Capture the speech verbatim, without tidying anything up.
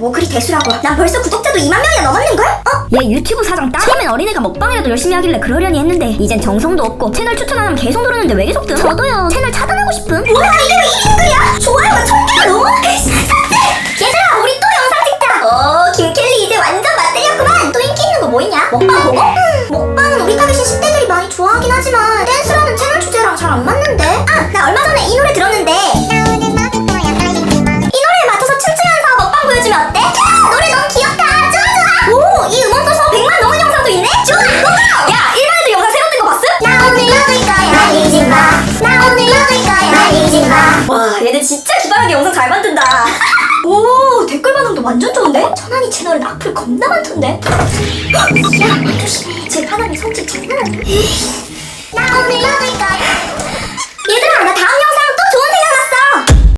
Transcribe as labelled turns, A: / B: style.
A: 뭐 그리 대수라고. 난 벌써 구독자도 이만 명이나 넘었는걸? 어?
B: 얘 유튜브 사장 딸? 처음엔 어린애가 먹방이라도 열심히 하길래 그러려니 했는데 이젠 정성도 없고 채널 추천 안 하면 계속 누르는데 왜 계속 뜸? 저도요. 채널 차단하고 싶음.
A: 뭐야 이게 왜 이 댓글이야? 좋아요가 천 개가 넘어? 삭제! 얘들아 우리 또 영상 찍자. 어 김켈리 이제 완전 맛들렸구만. 또 인기 있는 거 뭐 있냐? 먹방 보고? 음, 먹방은 우리 가 계신 십 대들이 많이 좋아하긴 하지만 댄스라는 채널 주제랑 잘 안 맞는데? 아 나 얼마 전에 이 노래 들었는데 이 노래에 맞춰서 춤추면서 먹방 보여주면 어때? 야 노래 너무 귀엽다. 좋아 좋아. 오 이 음원 써서 백만 넘은 영상도 있네? 좋아 고고! 야 일반 애들 영상 새로 뜬 거 봤음? 나 오늘 먹을 거야 아니지 마나 오늘 먹을 거야 아니지 마. 와 얘들 진짜 기발하게 영상 잘 만든다. 오 댓글 반응도 완전 좋은데? 천안이 채널은 악플 겁나 많던데? 야 조심해 제 하나님 성질 장난 아니야. 나 오늘 먹을 거야